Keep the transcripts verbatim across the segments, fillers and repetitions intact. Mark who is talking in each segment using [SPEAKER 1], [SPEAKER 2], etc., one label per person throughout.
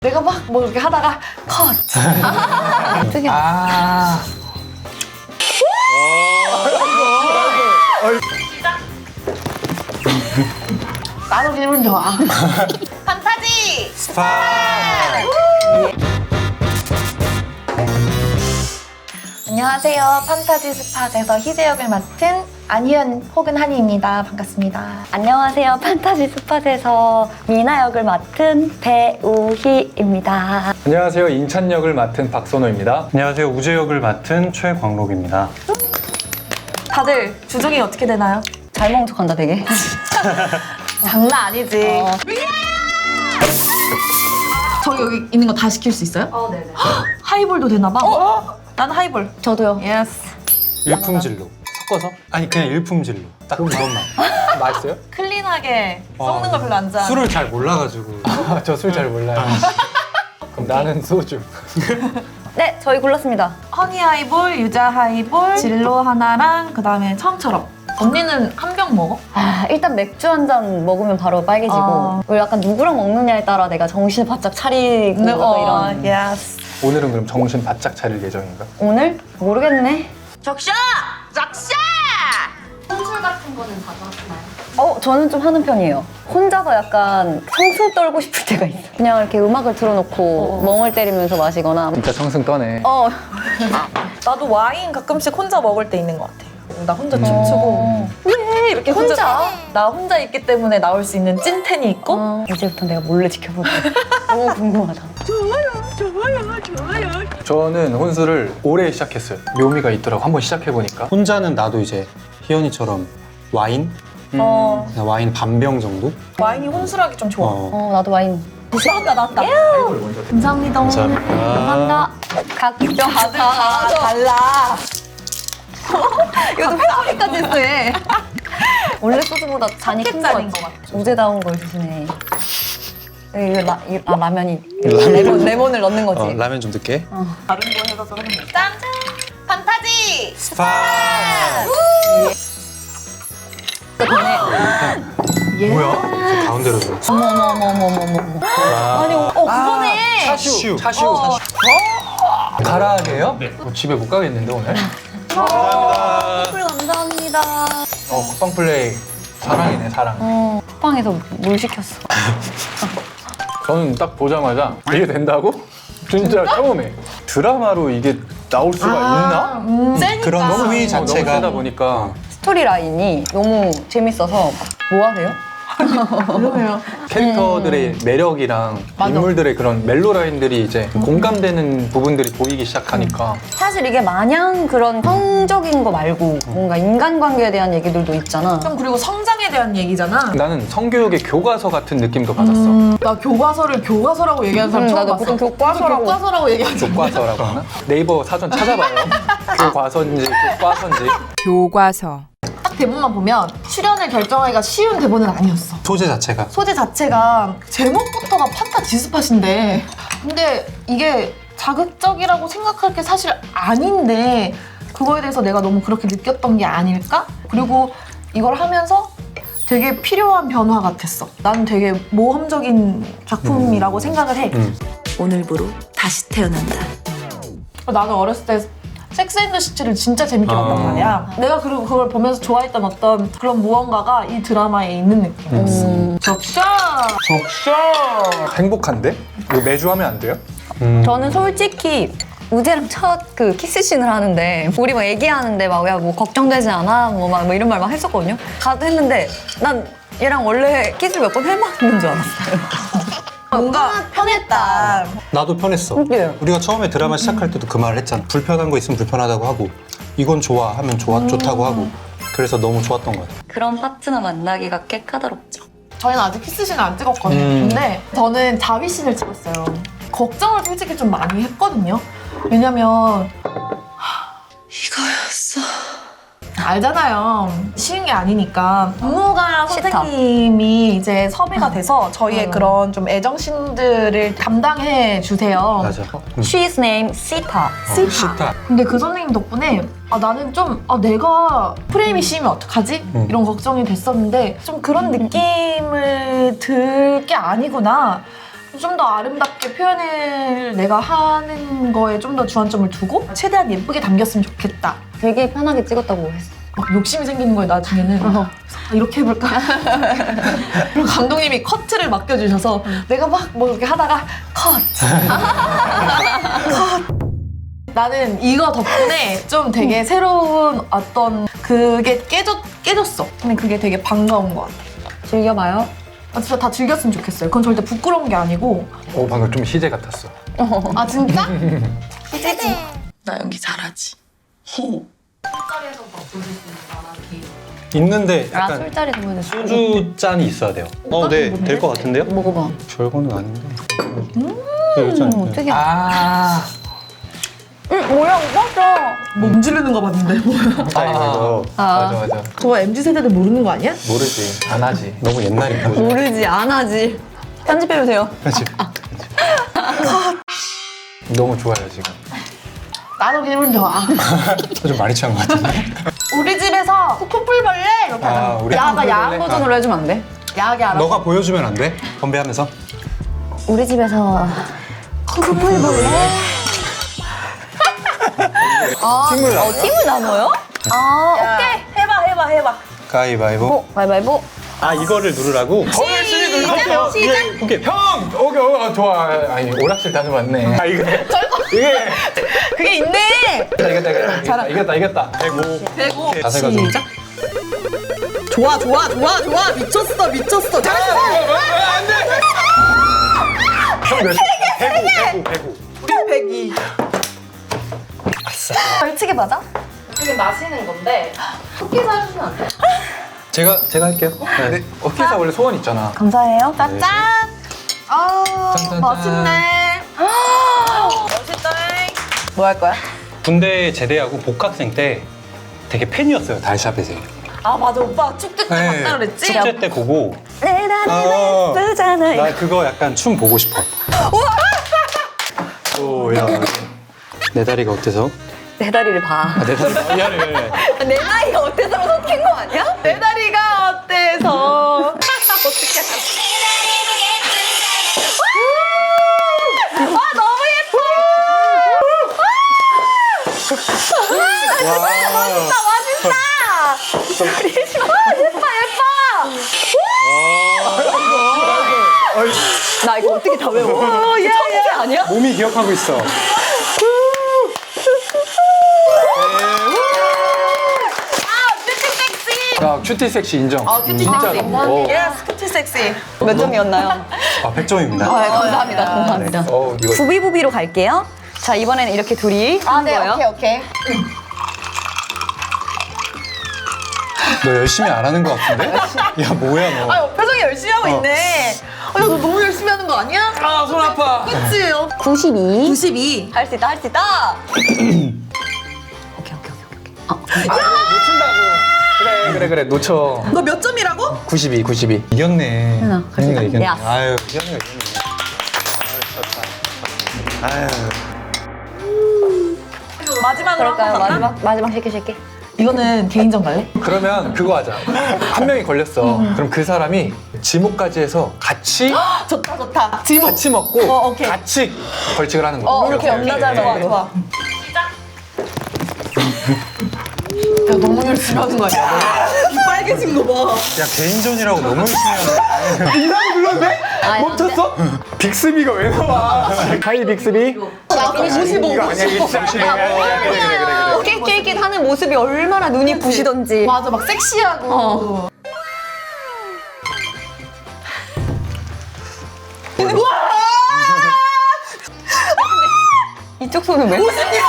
[SPEAKER 1] 내가 막 뭐 이렇게 하다가 컷! 특이하다.
[SPEAKER 2] 아.
[SPEAKER 1] 나도 기분 좋아. 판타지!
[SPEAKER 2] 스파.
[SPEAKER 1] 안녕하세요. 판타지 스팟에서 희재 역을 맡은 안희연 혹은 한희입니다. 반갑습니다.
[SPEAKER 3] 안녕하세요. 판타지 스팟에서 미나 역을 맡은 배우희입니다.
[SPEAKER 2] 안녕하세요. 인천 역을 맡은 박선호입니다.
[SPEAKER 4] 안녕하세요. 우재 역을 맡은 최광록입니다.
[SPEAKER 1] 다들 주종이 어떻게 되나요?
[SPEAKER 3] 잘 먹은 척한다 되게.
[SPEAKER 1] 장난 아니지.
[SPEAKER 3] 어.
[SPEAKER 1] 저기 여기 있는 거 다 시킬 수 있어요?
[SPEAKER 3] 어, 네네.
[SPEAKER 1] 하이볼도 되나 봐. 어? 난 하이볼.
[SPEAKER 3] 저도요.
[SPEAKER 1] 예스.
[SPEAKER 4] 일품질로. 섞어서? 아니 그냥 일품질로. 딱 그것만.
[SPEAKER 2] 맛있어요?
[SPEAKER 1] 클린하게
[SPEAKER 4] 어,
[SPEAKER 1] 썩는 거 별로 안 좋아하는.
[SPEAKER 4] 술을 잘 몰라가지고.
[SPEAKER 2] 저 술 잘 몰라요. 그럼 나는 소주.
[SPEAKER 3] 네, 저희 골랐습니다.
[SPEAKER 1] 허니 하이볼, 유자 하이볼, 진로 하나랑 그 다음에 처음처럼. 언니는 한 병 먹어?
[SPEAKER 3] 아, 일단 맥주 한 잔 먹으면 바로 빨개지고
[SPEAKER 1] 어.
[SPEAKER 3] 그리고 약간 누구랑 먹느냐에 따라 내가 정신을 바짝 차리고 약간 이런.
[SPEAKER 1] 예스.
[SPEAKER 2] 오늘은 그럼 정신 바짝 차릴 예정인가?
[SPEAKER 3] 오늘? 모르겠네.
[SPEAKER 1] 적셔! 적셔!
[SPEAKER 3] 어, 저는 좀 하는 편이에요. 혼자서 약간 청승 떨고 싶을 때가 있어. 그냥 이렇게 음악을 틀어놓고 멍을 때리면서 마시거나.
[SPEAKER 2] 진짜 청승 떠네.
[SPEAKER 3] 어,
[SPEAKER 1] 나도 와인 가끔씩 혼자 먹을 때 있는 것 같아. 나 혼자 춤추고 왜 이렇게 혼자,
[SPEAKER 3] 혼자?
[SPEAKER 1] 나 혼자 있기 때문에 나올 수 있는 찐텐이 있고
[SPEAKER 3] 어, 이제부터 내가 몰래 지켜볼게. 너무 궁금하다.
[SPEAKER 2] 저는 혼술을 올해 시작했어요. 묘미가 있더라고. 한번 시작해보니까.
[SPEAKER 4] 혼자는 나도 이제 희연이처럼 와인?
[SPEAKER 1] 어,
[SPEAKER 4] 그냥 와인 반병 정도?
[SPEAKER 1] 와인이 혼술하기 좀 좋아.
[SPEAKER 4] 어.
[SPEAKER 3] 어, 나도 와인.
[SPEAKER 1] 나왔다 나왔다. 감사합니다.
[SPEAKER 4] 감사합니다.
[SPEAKER 3] 감사합니다. 각종
[SPEAKER 1] 다들 다 달라.
[SPEAKER 3] 이것도 회사비까지 했어 얘. 원래 소주보다 잔이 큰 거
[SPEAKER 1] 캔잔인
[SPEAKER 3] 같아.
[SPEAKER 1] 것 같아.
[SPEAKER 3] 우제다운 걸 주시네. 이거 라, 이, 아, 라면이 레몬, 레몬을 넣는 거지.
[SPEAKER 4] 어, 라면 좀 넣게.
[SPEAKER 1] 다른 거 해서 하는 거. 짠! 판타지!
[SPEAKER 4] 스파.
[SPEAKER 1] 예.
[SPEAKER 4] 뭐야? 저 가운데로 줘.
[SPEAKER 3] 어머 어머 어머 어머 어머 어머.
[SPEAKER 1] 아니, 어, 그거네.
[SPEAKER 2] 차슈. 차슈.
[SPEAKER 1] 어.
[SPEAKER 2] 가라게요? 네. 어, 집에 못 가겠는데 오늘?
[SPEAKER 4] 감사합니다.
[SPEAKER 3] 술 감사합니다.
[SPEAKER 2] 어, 국방 플레이. 사랑이네, 사랑.
[SPEAKER 3] 어, 쿠팡에서 물 시켰어.
[SPEAKER 2] 저는 딱 보자마자 이게 된다고? 진짜 처음에 드라마로 이게 나올 수가 있나?
[SPEAKER 1] 음, 세니까.
[SPEAKER 4] 그런
[SPEAKER 2] 너무
[SPEAKER 4] 수위
[SPEAKER 2] 어, 너무
[SPEAKER 4] 자체가
[SPEAKER 2] 세다 보니까
[SPEAKER 3] 스토리 라인이 너무 재밌어서 뭐 하세요?
[SPEAKER 1] 그러네요.
[SPEAKER 2] 캐릭터들의 매력이랑
[SPEAKER 1] 맞아.
[SPEAKER 2] 인물들의 그런 멜로 라인들이 이제 공감되는 부분들이 보이기 시작하니까
[SPEAKER 3] 사실 이게 마냥 그런 성적인 거 말고 뭔가 인간관계에 대한 얘기들도 있잖아.
[SPEAKER 1] 좀 그리고 성장에 대한 얘기잖아.
[SPEAKER 2] 나는 성교육의 교과서 같은 느낌도 받았어.
[SPEAKER 1] 음, 나 교과서를 교과서라고 얘기하는 사람
[SPEAKER 3] 음,
[SPEAKER 1] 처음
[SPEAKER 3] 나도
[SPEAKER 1] 봤어.
[SPEAKER 3] 보통 교과서라고.
[SPEAKER 1] 교과서라고 얘기하지.
[SPEAKER 2] 교과서라고 하나? 네이버 사전 찾아봐요. 교과서인지 교과서인지.
[SPEAKER 5] 교과서.
[SPEAKER 1] 딱 대본만 보면 출연을 결정하기가 쉬운 대본은 아니었어.
[SPEAKER 4] 소재 자체가.
[SPEAKER 1] 소재 자체가 제목부터가 판타지 스팟인데 근데 이게 자극적이라고 생각할 게 사실 아닌데 그거에 대해서 내가 너무 그렇게 느꼈던 게 아닐까? 그리고 이걸 하면서 되게 필요한 변화 같았어. 나는 되게 모험적인 작품이라고 생각을 해.
[SPEAKER 4] 음.
[SPEAKER 6] 오늘부로 다시 태어난다.
[SPEAKER 1] 나는 어렸을 때 섹스 앤더 시티를 진짜 재밌게 봤단
[SPEAKER 4] 아.
[SPEAKER 1] 말이야. 내가 그리고 그걸 보면서 좋아했던 어떤 그런 무언가가 이 드라마에 있는 느낌이었어.
[SPEAKER 4] 음.
[SPEAKER 1] 적셔! 적셔!
[SPEAKER 2] 행복한데? 이거 매주 하면 안 돼요?
[SPEAKER 4] 음.
[SPEAKER 3] 저는 솔직히 우재랑 첫 그 키스씬을 하는데 우리 막 얘기하는데 막 야 뭐 걱정되지 않아? 뭐 막 뭐 이런 말 막 했었거든요. 가도 했는데 난 얘랑 원래 키스를 몇 번 해봤는 줄 알았어요.
[SPEAKER 1] 뭔가 편했다.
[SPEAKER 4] 나도 편했어.
[SPEAKER 3] 그게요.
[SPEAKER 4] 우리가 처음에 드라마 시작할 때도 그 말을 했잖아. 불편한 거 있으면 불편하다고 하고 이건 좋아 하면 좋아, 좋다고 하고 그래서 너무 좋았던 것 같아.
[SPEAKER 3] 그런 파트너 만나기가 꽤 까다롭죠.
[SPEAKER 1] 저희는 아직 키스씬을 안 찍었거든요.
[SPEAKER 4] 음.
[SPEAKER 1] 근데 저는 자위씬을 찍었어요. 걱정을 솔직히 좀 많이 했거든요. 왜냐면
[SPEAKER 6] 이거였어.
[SPEAKER 1] 알잖아요. 쉬운 게 아니니까. 박무가
[SPEAKER 3] 싫다.
[SPEAKER 1] 선생님이 이제 섭외가 돼서 저희의
[SPEAKER 3] 음.
[SPEAKER 1] 그런 좀 애정씬들을 담당해 주세요.
[SPEAKER 4] 맞아. 음.
[SPEAKER 3] She's name 시타.
[SPEAKER 4] 어, 싫다.
[SPEAKER 1] 근데 그 선생님 덕분에 아, 나는 좀 아, 내가 프레임이 씌우면 어떡하지?
[SPEAKER 4] 음.
[SPEAKER 1] 이런 걱정이 됐었는데 좀 그런 느낌을 들 게 아니구나. 좀 더 아름답게 표현을 내가 하는 거에 좀 더 주안점을 두고 최대한 예쁘게 담겼으면 좋겠다.
[SPEAKER 3] 되게 편하게 찍었다고 했어.
[SPEAKER 1] 막 욕심이 생기는 거예요 나중에는.
[SPEAKER 3] 어허.
[SPEAKER 1] 아, 이렇게 해볼까? 그리고 감독님이 커트를 맡겨주셔서 내가 막 뭐 이렇게 하다가 컷! 컷! 나는 이거 덕분에 좀 되게 새로운 어떤 그게 깨졌, 깨졌어. 근데 그게 되게 반가운 것 같아.
[SPEAKER 3] 즐겨봐요.
[SPEAKER 1] 아, 진짜 다 즐겼으면 좋겠어요. 그건 절대 부끄러운 게 아니고.
[SPEAKER 2] 오 방금 좀 희재 같았어.
[SPEAKER 1] 아 진짜?
[SPEAKER 6] 나 연기 잘하지.
[SPEAKER 4] 있는데
[SPEAKER 3] 아,
[SPEAKER 4] 약간
[SPEAKER 3] 술자리 보여줬어.
[SPEAKER 4] 소주 잔이 있어야 돼요. 어, 네, 될 것 같은데요?
[SPEAKER 3] 먹어봐.
[SPEAKER 4] 별거는 아닌데. 음, 음,
[SPEAKER 3] 어떻게?
[SPEAKER 2] 아.
[SPEAKER 3] 응, 뭐야, 오빠죠?
[SPEAKER 1] 몸 지르는 거 봤는데 뭐야.
[SPEAKER 4] 아, 이거
[SPEAKER 2] 맞아 맞아.
[SPEAKER 1] 그거 엠지 세대들 모르는 거 아니야?
[SPEAKER 2] 모르지. 안 하지.
[SPEAKER 4] 너무 옛날인가?
[SPEAKER 3] 모르지, 안 하지. 편집해도 돼요.
[SPEAKER 4] 그렇지.
[SPEAKER 2] 너무 좋아요 지금.
[SPEAKER 1] 나도 기분 좋아.
[SPEAKER 4] 좀 많이 취한 것 같은데.
[SPEAKER 1] 우리 집에서 코뿔벌레 이렇게
[SPEAKER 4] 아,
[SPEAKER 1] 하자.
[SPEAKER 4] 우리
[SPEAKER 1] 야가 야한
[SPEAKER 2] 코뿔벌레?
[SPEAKER 1] 버전으로
[SPEAKER 3] 해주면 안 돼?
[SPEAKER 1] 야하게 알아.
[SPEAKER 4] 너가 보여주면 안 돼? 건배하면서.
[SPEAKER 3] 우리 집에서 쿠플벌레? 아,
[SPEAKER 2] 팀을
[SPEAKER 3] 어, 팀을 나눠요? 아, 오케이.
[SPEAKER 1] 해봐 해봐 해봐.
[SPEAKER 4] 가위바위보.
[SPEAKER 3] 어, 가위바위보.
[SPEAKER 4] 아, 이거를 누르라고?
[SPEAKER 1] 시작 시작.
[SPEAKER 4] 오케이.
[SPEAKER 2] 형! 오케이, 오, 좋아. 아니, 오락실 다녀봤네. 아, 이거. 이게.
[SPEAKER 1] 그게 있네.
[SPEAKER 2] 이겼다, 이겼다, 이겼다. 이겼다, 이겼다.
[SPEAKER 4] 대고.
[SPEAKER 1] 대고
[SPEAKER 4] 자세가 좀.
[SPEAKER 1] 시작. 좋아 좋아 좋아 좋아 미쳤어 미쳤어. 잘했어.
[SPEAKER 2] 안 돼! 형 몇?
[SPEAKER 4] 대고, 대고, 대고.
[SPEAKER 1] 백이.
[SPEAKER 3] 벌칙에 맞아?
[SPEAKER 1] 지금 마시는 건데 쿠키 사주시면 안 돼?
[SPEAKER 4] 제가, 제가 할게요.
[SPEAKER 2] 근데 어깨사 원래 소원 있잖아.
[SPEAKER 3] 감사해요.
[SPEAKER 1] 짠. 아
[SPEAKER 2] 짠짠짠.
[SPEAKER 1] 멋있네. 멋있다.
[SPEAKER 3] 뭐 할 거야?
[SPEAKER 4] 군대 제대하고 복학생 때 되게 팬이었어요, 달샤벳에.
[SPEAKER 1] 아 맞아 오빠 축제 때
[SPEAKER 4] 네.
[SPEAKER 1] 봤다 그랬지?
[SPEAKER 4] 축제 때 보고.
[SPEAKER 3] 내
[SPEAKER 4] 어.
[SPEAKER 3] 나는 예쁘잖아.
[SPEAKER 4] 나 그거 약간 춤 보고 싶어. 오, 야. 내 다리가 어때서?
[SPEAKER 3] 내 다리를 봐.
[SPEAKER 4] 아, 내 다리. 미안해, 미안해.
[SPEAKER 3] 내 나이가 어때서 섞인 거 아니야?
[SPEAKER 1] 내 다리가 어때서? 어떻게? 와 너무 예뻐.
[SPEAKER 4] 와.
[SPEAKER 1] 멋있다 멋있다. 예뻐 예뻐.
[SPEAKER 3] 나 이거 어떻게 다 외워?
[SPEAKER 1] 오, 야,
[SPEAKER 3] 천재 아니야?
[SPEAKER 4] 몸이 기억하고 있어.
[SPEAKER 2] 야, 큐티 섹시 인정.
[SPEAKER 1] 아 큐티
[SPEAKER 2] 진짜로.
[SPEAKER 1] 섹시.
[SPEAKER 2] 오.
[SPEAKER 1] 예스 큐티 섹시.
[SPEAKER 3] 몇 점이었나요?
[SPEAKER 4] 아, 백 점입니다.
[SPEAKER 3] 아, 감사합니다. 감사합니다.
[SPEAKER 2] 어, 이거.
[SPEAKER 3] 부비부비로 갈게요. 자, 이번에는 이렇게 둘이 하는 거예요.
[SPEAKER 1] 오케이.
[SPEAKER 4] 너 열심히 안 하는 것 같은데? 야, 뭐야, 너.
[SPEAKER 1] 아 표정이 열심히 하고 있네. 아, 야, 너 너무 열심히 하는 거 아니야?
[SPEAKER 2] 아, 손 아파.
[SPEAKER 1] 그치? 어,
[SPEAKER 3] 구십이.
[SPEAKER 1] 구십이.
[SPEAKER 3] 할 수 있다, 할 수 있다. 오케이, 오케이, 오케이, 오케이. 어,
[SPEAKER 2] 아, 그래, 놓친다고. 그래, 그래, 그래. 놓쳐.
[SPEAKER 1] 너 몇 점이라고?
[SPEAKER 2] 구십이, 구십이.
[SPEAKER 4] 이겼네.
[SPEAKER 3] 현아,
[SPEAKER 4] 현이가 이겼네.
[SPEAKER 3] 야.
[SPEAKER 4] 아유, 현이가 이겼네. 아유,
[SPEAKER 1] 마지막으로
[SPEAKER 3] 그럴까요?
[SPEAKER 1] 한번 갈까?
[SPEAKER 3] 마지막, 마지막 쉐키 쉐키.
[SPEAKER 1] 이거는 개인전 갈래?
[SPEAKER 2] 그러면 그거 하자. 한 명이 걸렸어. 그럼 그 사람이 지목까지 해서 같이
[SPEAKER 1] 좋다 좋다. 지목.
[SPEAKER 2] 같이 먹고
[SPEAKER 1] 어, 오케이.
[SPEAKER 2] 같이 벌칙을 하는 거.
[SPEAKER 1] 어 이렇게 연나잘 좋아 좋아. 야 너무 열심히 하는 거 아니야? 이 빨개진 거 봐.
[SPEAKER 4] 야, 개인전이라고 너무 열심히 하네.
[SPEAKER 2] 이상 불렀네? 멈췄어? 빅스비가 왜 나와? 하이 빅스비?
[SPEAKER 1] 나 오십오.
[SPEAKER 2] 이거 아니야, 이거 진짜 그래, 그래, 그래, 그래, 그래.
[SPEAKER 3] 낄낄낄 하는 모습이 얼마나 눈이 부시던지.
[SPEAKER 1] 맞아 막 섹시하고.
[SPEAKER 3] 어. 이쪽 손은 왜?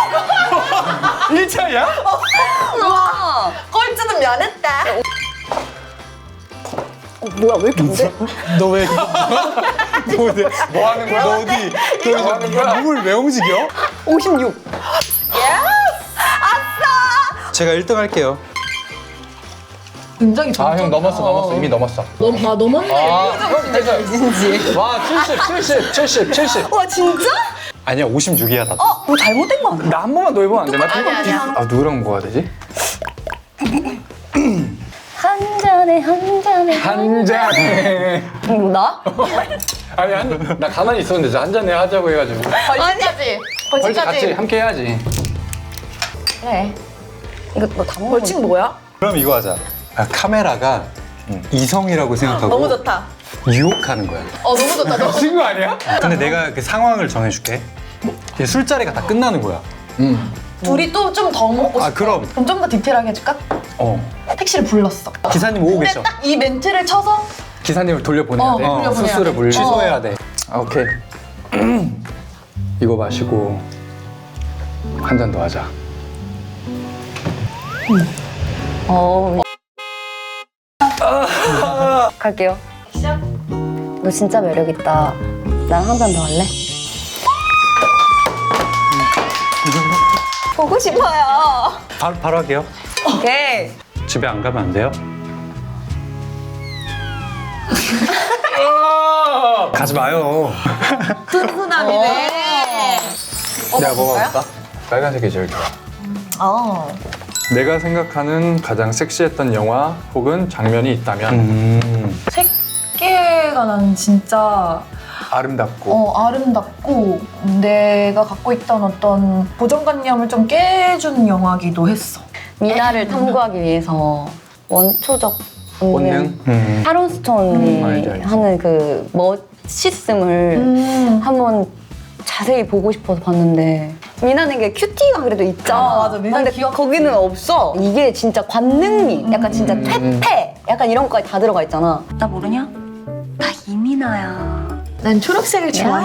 [SPEAKER 2] 일 차야?
[SPEAKER 3] 와.
[SPEAKER 1] 꼴찌는 면했다.
[SPEAKER 3] 어, 뭐야, 왜 이렇게 안 돼?
[SPEAKER 4] 너 왜, 너, 너, 왜-
[SPEAKER 2] 뭐 하는 거야?
[SPEAKER 4] 너 어디,
[SPEAKER 2] 뭐
[SPEAKER 4] 너
[SPEAKER 2] 하는 거야?
[SPEAKER 4] 누굴 왜 움직여?
[SPEAKER 3] 오십육.
[SPEAKER 4] 제가 일 등 할게요.
[SPEAKER 1] 굉장히
[SPEAKER 2] 아, 형 넘었어, 넘었어. 이미 넘었어.
[SPEAKER 1] 넘, 아 넘었네.
[SPEAKER 2] 아, 형 됐어.
[SPEAKER 3] 진지.
[SPEAKER 2] 와, 칠십, 칠십, 칠십, 칠십.
[SPEAKER 3] 와, 진짜?
[SPEAKER 4] 아니야, 오십육이야, 다.
[SPEAKER 3] 어, 뭐 잘못된 거 아니야?
[SPEAKER 2] 나 한 번만 더 해보면 안 돼? 나
[SPEAKER 1] 아니야, 아니야.
[SPEAKER 2] 아, 누구랑 먹어야 되지?
[SPEAKER 3] 한 잔 잔에 한 잔에
[SPEAKER 2] 한 잔에.
[SPEAKER 3] 이거 나?
[SPEAKER 2] 아니 한, 나 가만히 있었는데 저 한 잔에 하자고 해가지고.
[SPEAKER 1] 벌칙까지.
[SPEAKER 2] 벌칙 같이
[SPEAKER 1] 벌칙까지.
[SPEAKER 2] 함께 해야지.
[SPEAKER 1] 그래.
[SPEAKER 3] 이거 너다 먹어.
[SPEAKER 1] 벌칙 뭐야?
[SPEAKER 4] 그럼 이거 하자. 아, 카메라가 이성이라고 생각하고
[SPEAKER 1] 너무 좋다.
[SPEAKER 4] 유혹하는 거야.
[SPEAKER 1] 어 너무 좋다. 너무
[SPEAKER 2] 친구 아니야?
[SPEAKER 4] 근데 내가 그 상황을 정해줄게. 이제 술자리가 다 끝나는 거야.
[SPEAKER 2] 응.
[SPEAKER 1] 둘이 또 좀 더 먹고 싶어.
[SPEAKER 4] 아, 그럼.
[SPEAKER 1] 그럼 좀 더 디테일하게 해줄까?
[SPEAKER 4] 어.
[SPEAKER 1] 택시를 불렀어.
[SPEAKER 4] 기사님 오고
[SPEAKER 1] 근데
[SPEAKER 4] 계셔.
[SPEAKER 1] 딱 이 멘트를 쳐서
[SPEAKER 2] 기사님을 돌려보내야
[SPEAKER 1] 어,
[SPEAKER 2] 돼.
[SPEAKER 1] 돌려보내야
[SPEAKER 2] 수수를
[SPEAKER 1] 돼.
[SPEAKER 2] 물리.
[SPEAKER 4] 취소해야 돼.
[SPEAKER 2] 아, 오케이. 이거 마시고 한 잔 더 하자.
[SPEAKER 3] 어. 갈게요.
[SPEAKER 1] 시작.
[SPEAKER 3] 너 진짜 매력 있다. 나랑 한 잔 더 할래? 보고 싶어요.
[SPEAKER 4] 바로, 바로 할게요.
[SPEAKER 3] 오케이.
[SPEAKER 4] 집에 안 가면 안 돼요? 가지 마요.
[SPEAKER 1] 훈훈함이네. 어,
[SPEAKER 2] 내가
[SPEAKER 1] 먹어볼까요?
[SPEAKER 2] 먹어볼까? 빨간색이 제일 좋아.
[SPEAKER 1] 어.
[SPEAKER 2] 내가 생각하는 가장 섹시했던 영화 혹은 장면이 있다면
[SPEAKER 4] 음.
[SPEAKER 1] 새끼가 난 진짜
[SPEAKER 2] 아름답고
[SPEAKER 1] 어, 아름답고 내가 갖고 있던 어떤 고정관념을 좀 깨준 영화기도 했어.
[SPEAKER 3] 미나를 탐구하기 위해서 원초적
[SPEAKER 2] 본능?
[SPEAKER 3] 본능.
[SPEAKER 4] 음.
[SPEAKER 3] 타론 스톤이
[SPEAKER 2] 음, 알지, 알지.
[SPEAKER 3] 하는 그 멋있음을
[SPEAKER 1] 음.
[SPEAKER 3] 한번 자세히 보고 싶어서 봤는데 미나는 게 큐티가 그래도 있잖아.
[SPEAKER 1] 아, 맞아. 미나는
[SPEAKER 3] 근데
[SPEAKER 1] 귀엽지.
[SPEAKER 3] 거기는 없어. 이게 진짜 관능미, 약간 진짜
[SPEAKER 2] 음.
[SPEAKER 3] 퇴폐, 약간 이런 것까지 다 들어가 있잖아. 나 모르냐? 나 이미나야.
[SPEAKER 1] 난 초록색을 좋아해.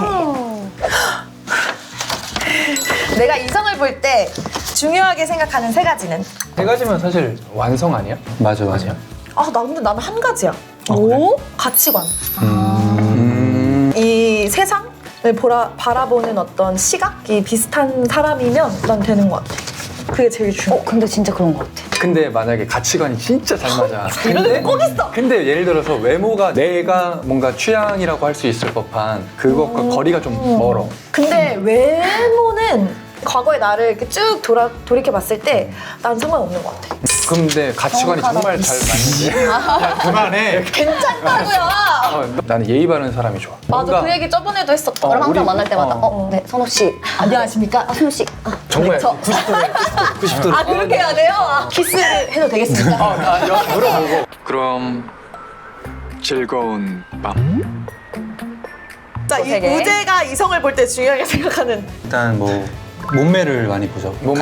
[SPEAKER 1] 내가 이성을 볼 때 중요하게 생각하는 세 가지는
[SPEAKER 2] 세 가지면 사실 완성 아니야?
[SPEAKER 4] 맞아, 맞아.
[SPEAKER 1] 아, 나 근데 나는 한 가지야.
[SPEAKER 3] 오?
[SPEAKER 1] 가치관.
[SPEAKER 2] 음.
[SPEAKER 1] 이 세상을 보라, 바라보는 어떤 시각이 비슷한 사람이면 난 되는 것 같아. 그게 제일 중요해.
[SPEAKER 3] 어, 근데 진짜 그런 것 같아.
[SPEAKER 2] 근데 만약에 가치관이 진짜 잘 맞아.
[SPEAKER 1] 이런 거 꼭 있어.
[SPEAKER 2] 근데 예를 들어서 외모가 내가 뭔가 취향이라고 할 수 있을 법한 그것과
[SPEAKER 1] 음.
[SPEAKER 2] 거리가 좀 멀어.
[SPEAKER 1] 근데 외모는 과거의 나를 이렇게 쭉 돌아, 돌이켜 봤을 때 난 상관없는 것 같아.
[SPEAKER 2] 근데 가치관이 정말 잘 맞는데.
[SPEAKER 4] 그만해.
[SPEAKER 1] 괜찮다고요.
[SPEAKER 2] 어, 나는 예의 바른 사람이 좋아.
[SPEAKER 1] 맞아,
[SPEAKER 2] 뭔가
[SPEAKER 1] 그 얘기 저번에도 했었다.
[SPEAKER 2] 어,
[SPEAKER 3] 저랑 항상
[SPEAKER 2] 우리-
[SPEAKER 3] 만날 때마다
[SPEAKER 2] 어.
[SPEAKER 3] 어, 네, 선호 씨.
[SPEAKER 1] 안녕하십니까?
[SPEAKER 3] 아, 선호 씨. 아,
[SPEAKER 2] 정말
[SPEAKER 3] 저-
[SPEAKER 2] 구십 도래. 구십 도래.
[SPEAKER 1] 아, 그렇게 해야 돼요? 아, 키스를 해도 되겠습니까?
[SPEAKER 2] 어, 나 여기 물어보고.
[SPEAKER 5] 그럼 즐거운 밤.
[SPEAKER 1] 자, 이
[SPEAKER 3] 되게.
[SPEAKER 1] 우재가 이성을 볼 때 중요하게 생각하는
[SPEAKER 4] 일단 뭐 몸매를 많이 보죠.
[SPEAKER 2] 몸매.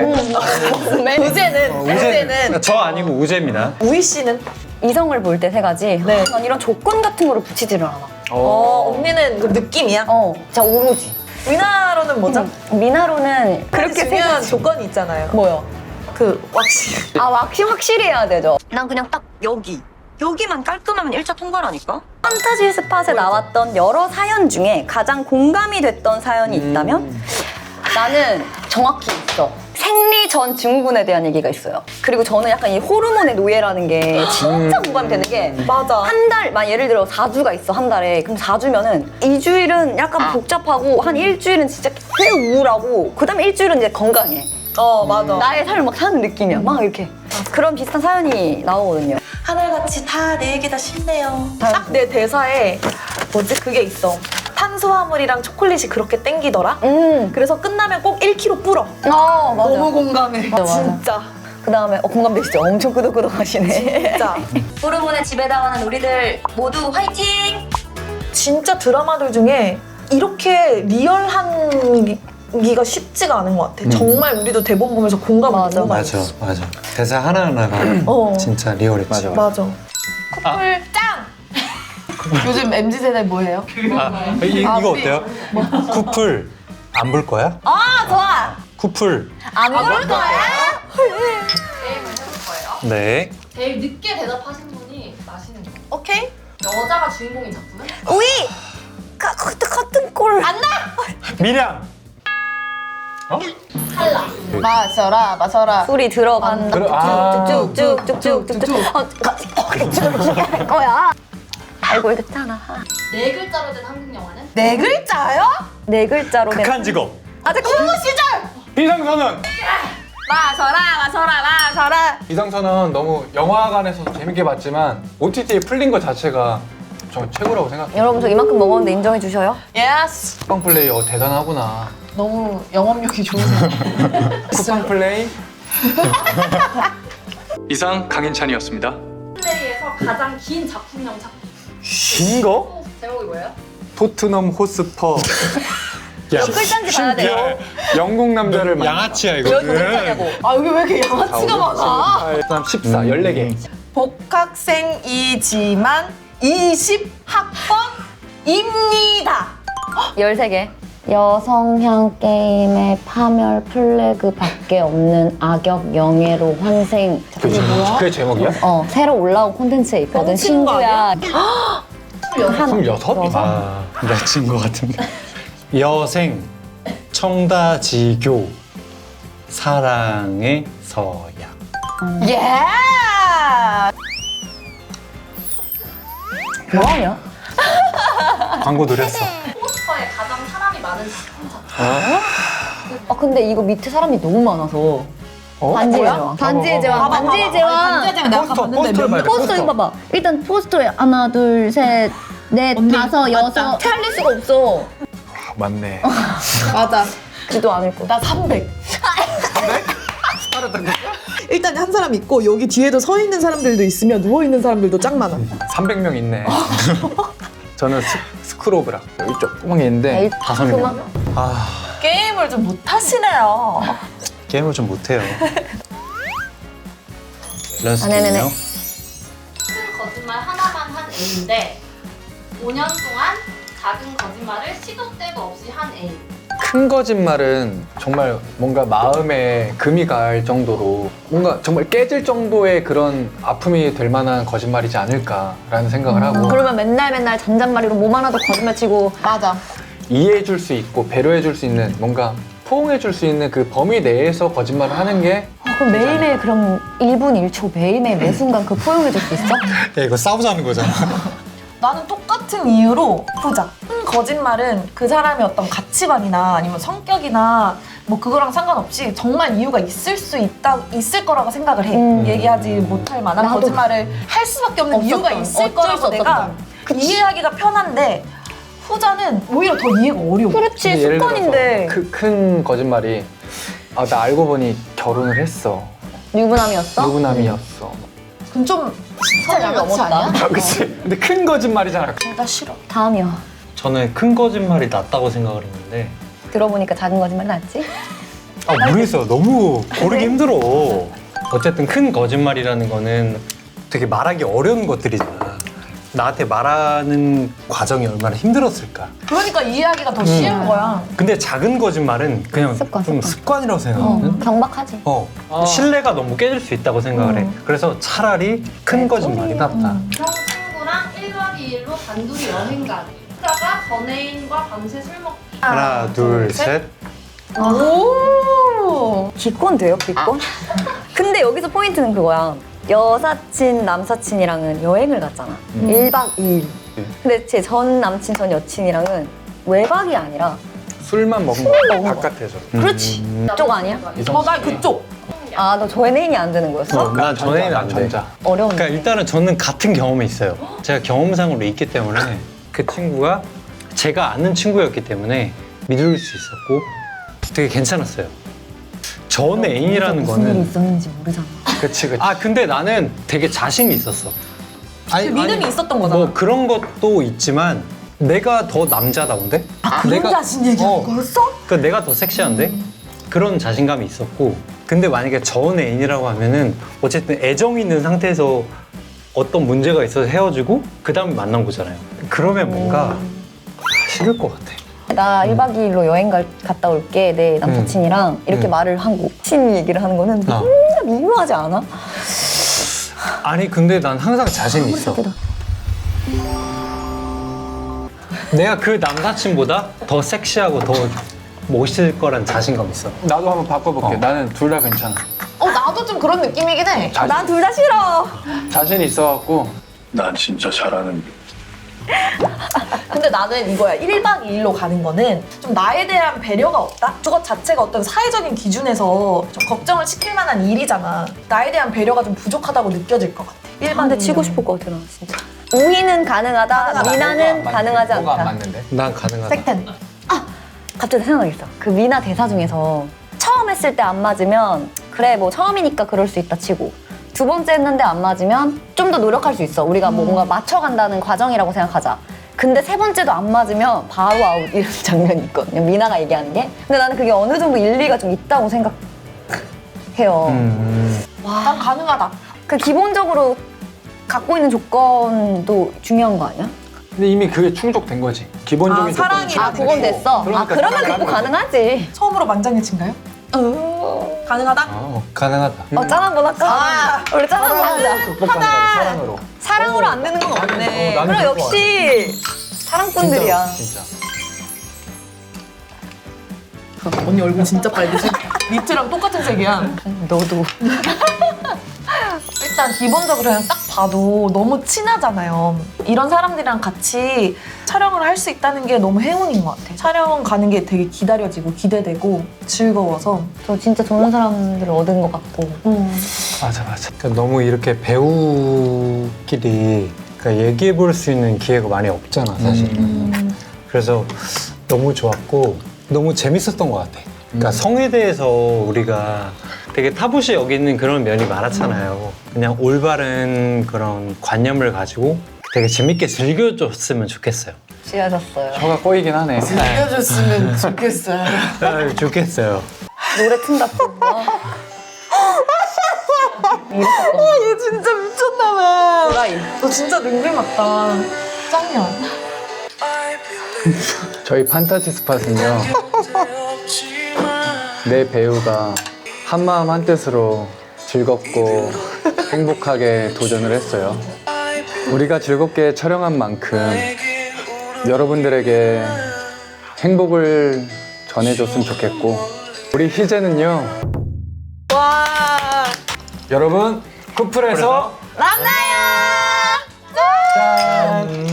[SPEAKER 1] 우재는,
[SPEAKER 4] 어,
[SPEAKER 1] 우재는
[SPEAKER 4] 저 아니고 우재입니다.
[SPEAKER 1] 우희 씨는?
[SPEAKER 3] 이성을 볼 때 세 가지.
[SPEAKER 1] 네.
[SPEAKER 3] 난 이런 조건 같은 거를 붙이지를 않아.
[SPEAKER 1] 어, 언니는 그 느낌이야?
[SPEAKER 3] 어, 진짜 오로지.
[SPEAKER 1] 위나로는 뭐죠?
[SPEAKER 3] 음, 미나로는
[SPEAKER 1] 그렇게
[SPEAKER 3] 그렇게 세
[SPEAKER 1] 중요한
[SPEAKER 3] 가지.
[SPEAKER 1] 조건이 있잖아요.
[SPEAKER 3] 뭐요?
[SPEAKER 1] 그 왁싱.
[SPEAKER 3] 아, 확실히 확실히 해야 되죠.
[SPEAKER 7] 난 그냥 딱 여기 여기만 깔끔하면 일 차 통과라니까.
[SPEAKER 3] 판타지 스팟에 나왔던 여러 사연 중에 가장 공감이 됐던 사연이 있다면 나는 정확히 있어. 생리 전 증후군에 대한 얘기가 있어요. 그리고 저는 약간 이 호르몬의 노예라는 게 진짜 공감이 되는 게
[SPEAKER 1] 맞아.
[SPEAKER 3] 한 달, 만 예를 들어 사 주가 있어, 한 달에. 그럼 사 주면은 이 주일은 약간 복잡하고 한 일주일은 진짜 꽤 우울하고 그 다음에 일주일은 이제 건강해.
[SPEAKER 1] 어, 맞아.
[SPEAKER 3] 나의 삶을 막 사는 느낌이야. 막 이렇게. 그런 비슷한 사연이 나오거든요.
[SPEAKER 7] 하늘같이 다 내 얘기 다 쉽네요.
[SPEAKER 1] 딱 내 대사에 뭐지? 그게 있어. 탄수화물이랑 초콜릿이 그렇게 땡기더라?
[SPEAKER 3] 음.
[SPEAKER 1] 그래서 끝나면 꼭 일 킬로그램 불어.
[SPEAKER 3] 어, 맞아.
[SPEAKER 1] 너무 공감해.
[SPEAKER 3] 맞아, 맞아.
[SPEAKER 1] 진짜.
[SPEAKER 3] 그 다음에 어, 공감되시죠? 엄청 끄덕끄덕 하시네.
[SPEAKER 1] 진짜.
[SPEAKER 7] 호르몬에 지배당하는 우리들 모두 화이팅!
[SPEAKER 1] 진짜 드라마들 중에 이렇게 리얼한 기가 쉽지가 않은 것 같아. 정말 우리도 대본 보면서 공감을
[SPEAKER 3] 맞아.
[SPEAKER 1] 너무 많이
[SPEAKER 4] 맞아,
[SPEAKER 1] 했어.
[SPEAKER 4] 맞아. 대사 하나하나가
[SPEAKER 1] 어.
[SPEAKER 4] 진짜 리얼했지.
[SPEAKER 2] 맞아.
[SPEAKER 1] 맞아. 커플 짱! 요즘 엠지 세대 뭐예요?
[SPEAKER 4] 아, 이,
[SPEAKER 1] 아,
[SPEAKER 4] 이거
[SPEAKER 1] 우리-
[SPEAKER 4] 어때요? 쿠플 안 볼 거야?
[SPEAKER 3] 아, 좋아!
[SPEAKER 4] 쿠플.
[SPEAKER 3] 안 볼 거야?
[SPEAKER 4] 네.
[SPEAKER 8] 제일 늦게 대답하신 분이 마시는 거.
[SPEAKER 1] 오케이?
[SPEAKER 8] 여자가 주인공인 작품은?
[SPEAKER 3] 우이! 가, 같은, 같은 꼴. 안 나!
[SPEAKER 4] 미량.
[SPEAKER 1] 마셔라, 마셔라.
[SPEAKER 3] 소리 들어간다.
[SPEAKER 2] 그래, 아.
[SPEAKER 3] 쭉쭉쭉쭉쭉쭉쭉. 어, 할 거야. 알고 있잖아.
[SPEAKER 8] 네 글자로 된 한국 영화는?
[SPEAKER 1] 네 글자요?
[SPEAKER 3] 네 글자로 된.
[SPEAKER 4] 극한 직업.
[SPEAKER 3] 아, 잠깐만.
[SPEAKER 1] 시절!
[SPEAKER 2] 비상선언.
[SPEAKER 7] 마셔라 마셔라 마셔라.
[SPEAKER 2] 이상선은 너무 영화관에서 재밌게 봤지만 오티티에 풀린 것 자체가 저 최고라고 생각해요.
[SPEAKER 3] 여러분 저 이만큼 먹었는데 인정해 주셔요?
[SPEAKER 1] 예스.
[SPEAKER 2] 쿠팡 플레이 어, 대단하구나.
[SPEAKER 1] 너무 영업력이 좋으세요.
[SPEAKER 2] 쿠팡 플레이?
[SPEAKER 5] 이상 강인찬이었습니다.
[SPEAKER 8] 플레이에서 가장 긴 작품명 작품.
[SPEAKER 2] 긴 거?
[SPEAKER 8] 제목이 뭐예요?
[SPEAKER 2] 토트넘 호스퍼.
[SPEAKER 3] 글자인지 봐야 돼.
[SPEAKER 2] 영국 남자를 만나.
[SPEAKER 4] 양아치야 이거.
[SPEAKER 3] 여기 글자냐고.
[SPEAKER 1] 아 여기 왜 이렇게 양아치가 많아?
[SPEAKER 2] 그다음 십사, 열네 개.
[SPEAKER 1] 복학생이지만 이십 학번입니다.
[SPEAKER 3] 열세 개. 여성향 게임의 파멸 플래그밖에 없는 악역 영예로 환생.
[SPEAKER 2] 그게, 그게 제목이야?
[SPEAKER 3] 어 새로 올라온 콘텐츠에 있거든.
[SPEAKER 1] 뻥치는 거
[SPEAKER 3] 친구야.
[SPEAKER 2] 스물여섯?
[SPEAKER 4] 아, 내친 것 같은데. 여생, 청다지교, 사랑의 서약.
[SPEAKER 1] 예.
[SPEAKER 3] 뭐하냐?
[SPEAKER 4] 광고 노렸어.
[SPEAKER 8] 포스터에 가장 사람이 많은 작품 작품.
[SPEAKER 3] 아 근데 이거 밑에 사람이 너무 많아서. 반지의 제왕. 반지의 제왕. 반지의 제왕.
[SPEAKER 1] 반지의 제왕 내가 아까
[SPEAKER 2] 포스터,
[SPEAKER 1] 봤는데
[SPEAKER 2] 포스터를
[SPEAKER 1] 몇
[SPEAKER 2] 봐야 돼.
[SPEAKER 3] 포스터 이거 봐봐. 일단 포스터에 하나, 둘, 셋, 넷, 다섯, 여섯. 찾을 수가 없어.
[SPEAKER 2] 맞네.
[SPEAKER 1] 맞아.
[SPEAKER 3] 지도 않을 거.
[SPEAKER 1] 나 삼백. 일단 한 사람 있고 여기 뒤에도 서 있는 사람들도 있으면 누워 있는 사람들도 짱 많아.
[SPEAKER 2] 삼백 명 있네. 저는 스, 스크로브라. 여기 조그맣게 있는데
[SPEAKER 4] 다섯 명. 아,
[SPEAKER 1] 게임을 좀 못하시네요.
[SPEAKER 4] 게임을 좀 못해요. 밸런스
[SPEAKER 3] 아, 네네네.
[SPEAKER 4] 게임이요?
[SPEAKER 8] 큰 거짓말 하나만 한 A인데 오 년 동안 작은 거짓말을 시도 때도 없이 한 A.
[SPEAKER 2] 큰 거짓말은 정말 뭔가 마음에 금이 갈 정도로 뭔가 정말 깨질 정도의 그런 아픔이 될 만한 거짓말이지 않을까라는 생각을 하고
[SPEAKER 3] 그러면 맨날 맨날 잔잔말이로 몸 하나도 거짓말 치고.
[SPEAKER 1] 맞아.
[SPEAKER 2] 이해해줄 수 있고 배려해줄 수 있는 뭔가 포옹해줄 수 있는 그 범위 내에서 거짓말을 하는 게
[SPEAKER 3] 아, 그럼 매일매일 그럼 일 분 일 초 매일매일 매 순간 그 포용해줄 수 있어?
[SPEAKER 4] 야, 이거 싸우자는 거잖아.
[SPEAKER 1] 나는 똑같은 이유로 후자. 큰 거짓말은 그 사람의 어떤 가치관이나 아니면 성격이나 뭐 그거랑 상관없이 정말 이유가 있을 수 있다 있을 거라고 생각을 해.
[SPEAKER 3] 음.
[SPEAKER 1] 얘기하지 못할 만한
[SPEAKER 3] 나도.
[SPEAKER 1] 거짓말을 할 수밖에 없는
[SPEAKER 3] 없었던,
[SPEAKER 1] 이유가 있을
[SPEAKER 3] 어쩔
[SPEAKER 1] 거라고
[SPEAKER 3] 수
[SPEAKER 1] 내가
[SPEAKER 3] 없었던.
[SPEAKER 1] 이해하기가 편한데 후자는 오히려 더 이해가 어려워.
[SPEAKER 3] 그렇지
[SPEAKER 2] 근데 예를
[SPEAKER 3] 습관인데.
[SPEAKER 2] 들어서 그 큰 거짓말이 아, 나 알고 보니 결혼을 했어.
[SPEAKER 3] 유부남이었어?
[SPEAKER 2] 유부남이었어.
[SPEAKER 1] 그럼 좀 진짜 양아치
[SPEAKER 3] 넘었다.
[SPEAKER 1] 아니야?
[SPEAKER 2] 아, 그치? 근데 큰 거짓말이잖아.
[SPEAKER 1] 나 싫어.
[SPEAKER 3] 다음이요.
[SPEAKER 4] 저는 큰 거짓말이 낫다고 생각을 했는데
[SPEAKER 3] 들어보니까 작은 거짓말 낫지?
[SPEAKER 4] 아 모르겠어. 너무 고르기 힘들어. 어쨌든 큰 거짓말이라는 거는 되게 말하기 어려운 것들이잖아. 나한테 말하는 과정이 얼마나 힘들었을까.
[SPEAKER 1] 그러니까 이해하기가 더 쉬운 거야.
[SPEAKER 4] 근데 작은 거짓말은 그냥
[SPEAKER 3] 습관,
[SPEAKER 4] 좀
[SPEAKER 3] 습관.
[SPEAKER 4] 습관이라고
[SPEAKER 3] 어,
[SPEAKER 4] 생각하거든.
[SPEAKER 3] 경박하지.
[SPEAKER 4] 어,
[SPEAKER 2] 아.
[SPEAKER 4] 신뢰가 너무 깨질 수 있다고 생각을 해. 그래서 차라리 큰 거짓말이 낫다.
[SPEAKER 8] 형 친구랑 일 박 이 일로 단둘이 여행 가기. 후자가 전 애인과 밤새 술 먹기.
[SPEAKER 4] 하나, 둘, 셋.
[SPEAKER 1] 오.
[SPEAKER 3] 기권 돼요, 기권? 근데 여기서 포인트는 그거야. 여사친, 남사친이랑은 여행을 갔잖아. 일 박 이 일. 근데 제 전 남친, 전 여친이랑은 외박이 아니라
[SPEAKER 2] 술만 먹는
[SPEAKER 3] 먹는
[SPEAKER 2] 거
[SPEAKER 3] 거.
[SPEAKER 2] 바깥에서.
[SPEAKER 1] 그렇지.
[SPEAKER 3] 그쪽 아니야?
[SPEAKER 1] 어, 나 그쪽.
[SPEAKER 3] 아, 너 전애인이 안 되는 거였어?
[SPEAKER 4] 난 전에는 안 돼.
[SPEAKER 2] 전자.
[SPEAKER 3] 어려운데.
[SPEAKER 4] 그러니까 일단은 저는 같은 경험이 있어요. 제가 경험상으로 있기 때문에 그 친구가 제가 아는 친구였기 때문에 믿을 수 있었고 되게 괜찮았어요. 전 애인이라는
[SPEAKER 3] 무슨 일이
[SPEAKER 4] 거는
[SPEAKER 3] 있었는지 모르잖아.
[SPEAKER 2] 그치, 그치.
[SPEAKER 4] 아 근데 나는 되게 자신이 있었어. 아니,
[SPEAKER 1] 믿음이
[SPEAKER 4] 아니,
[SPEAKER 1] 있었던 거잖아.
[SPEAKER 4] 뭐 그런 것도 있지만 내가 더 남자다운데?
[SPEAKER 1] 아, 그런
[SPEAKER 4] 내가-
[SPEAKER 1] 자신 얘기하는
[SPEAKER 4] 어.
[SPEAKER 1] 거였어?
[SPEAKER 4] 그 내가 더 섹시한데? 그런 자신감이 있었고 근데 만약에 전 애인이라고 하면은 어쨌든 애정이 있는 상태에서 어떤 문제가 있어서 헤어지고 그 다음에 만난 거잖아요. 그러면 뭔가 싫을 것 같아.
[SPEAKER 3] 나 일 박 이 일로 여행 갈, 갔다 올게. 내 남사친이랑 이렇게
[SPEAKER 4] 음.
[SPEAKER 3] 말을 하고 친 얘기를 하는 거는
[SPEAKER 4] 어.
[SPEAKER 3] 진짜 미묘하지 않아?
[SPEAKER 4] 아니 근데 난 항상 자신이 있어.
[SPEAKER 3] 사귀다.
[SPEAKER 4] 내가 그 남사친보다 더 섹시하고 더 멋있을 거란 자신감 있어.
[SPEAKER 2] 나도 한번 바꿔볼게.
[SPEAKER 4] 어.
[SPEAKER 2] 나는 둘 다 괜찮아.
[SPEAKER 1] 어, 나도 좀 그런 느낌이긴 해.
[SPEAKER 2] 자신,
[SPEAKER 3] 난 둘 다 싫어.
[SPEAKER 2] 자신이 있어갖고
[SPEAKER 5] 난 진짜 잘하는
[SPEAKER 1] 근데 나는 이거야. 일 박 이 일로 가는 거는 좀 나에 대한 배려가 없다? 그것 자체가 어떤 사회적인 기준에서 좀 걱정을 시킬 만한 일이잖아. 나에 대한 배려가 좀 부족하다고 느껴질 것 같아. 일 박
[SPEAKER 3] 근데
[SPEAKER 1] 이
[SPEAKER 3] 치고
[SPEAKER 1] 일은.
[SPEAKER 3] 싶을 것 같아 나 진짜. 우희는 가능하다, 미나는 가능하지
[SPEAKER 2] 뭐가 안
[SPEAKER 3] 않다.
[SPEAKER 2] 맞는데?
[SPEAKER 4] 난 가능하다.
[SPEAKER 1] 색텐.
[SPEAKER 3] 갑자기 생각났어. 그 미나 대사 중에서 처음 했을 때 안 맞으면 그래 뭐 처음이니까 그럴 수 있다 치고 두 번째 했는데 안 맞으면 좀 더 노력할 수 있어. 우리가 뭐 뭔가 맞춰간다는 과정이라고 생각하자. 근데 세 번째도 안 맞으면 바로 아웃 이런 장면이 있거든요. 미나가 얘기하는 게. 근데 나는 그게 어느 정도 일리가 좀 있다고 생각해요.
[SPEAKER 4] 음.
[SPEAKER 1] 난 가능하다.
[SPEAKER 3] 그 기본적으로 갖고 있는 조건도 중요한 거 아니야?
[SPEAKER 2] 근데 이미 그게 충족된 거지. 기본적인
[SPEAKER 1] 아,
[SPEAKER 2] 조건이
[SPEAKER 1] 사랑이
[SPEAKER 3] 아 그건 됐어.
[SPEAKER 2] 그러니까
[SPEAKER 3] 아 그러면
[SPEAKER 2] 사랑을
[SPEAKER 3] 극복
[SPEAKER 2] 하는 거지.
[SPEAKER 3] 가능하지.
[SPEAKER 1] 처음으로 만장일치인가요? 가능하다?
[SPEAKER 2] 어, 가능하다.
[SPEAKER 3] 어 짠 한번 할까?
[SPEAKER 1] 아.
[SPEAKER 3] 우리 짠 한번 하자.
[SPEAKER 2] 극복 가능하다. 사랑으로.
[SPEAKER 3] 사랑으로 안 되는 건 없네.
[SPEAKER 2] 나는
[SPEAKER 3] 그럼
[SPEAKER 2] 그거
[SPEAKER 3] 역시 사랑꾼들이야.
[SPEAKER 2] 진짜.
[SPEAKER 1] 언니 얼굴 진짜 빨개지? 니트랑 똑같은 색이야.
[SPEAKER 3] 너도.
[SPEAKER 1] 일단 기본적으로 그냥 딱 봐도 너무 친하잖아요. 이런 사람들이랑 같이 촬영을 할 수 있다는 게 너무 행운인 것 같아. 촬영 가는 게 되게 기다려지고 기대되고 즐거워서.
[SPEAKER 3] 저 진짜 좋은 사람들을 얻은 것 같고.
[SPEAKER 1] 음.
[SPEAKER 2] 맞아 맞아.
[SPEAKER 4] 그러니까 너무 이렇게 배우끼리 그러니까 얘기해 볼 수 있는 기회가 많이 없잖아 사실은.
[SPEAKER 1] 음.
[SPEAKER 4] 그래서 너무 좋았고 너무 재밌었던 것 같아. 그러니까
[SPEAKER 2] 음.
[SPEAKER 4] 성에 대해서 우리가 되게 타부시 여기는 그런 면이 많았잖아요. 그냥 올바른 그런 관념을 가지고 되게 재밌게 즐겨줬으면 좋겠어요.
[SPEAKER 3] 지어졌어요.
[SPEAKER 2] 혀가 꼬이긴 하네.
[SPEAKER 1] 알려줬으면 좋겠어요.
[SPEAKER 4] 아, 좋겠어요.
[SPEAKER 3] 노래 튼다 또. 이랬었던 거.
[SPEAKER 1] 얘 진짜 미쳤나봐.
[SPEAKER 3] 도라이.
[SPEAKER 1] 너 진짜 능글 맞다. 짱이야.
[SPEAKER 2] 저희 판타지 스팟은요. 내 배우가 한마음 한뜻으로 즐겁고 행복하게 도전을 했어요. 우리가 즐겁게 촬영한 만큼 여러분들에게 행복을 전해줬으면 좋겠고 우리 희재는요.
[SPEAKER 1] 와.
[SPEAKER 2] 여러분 쿠플에서
[SPEAKER 3] 만나요!
[SPEAKER 2] 짠!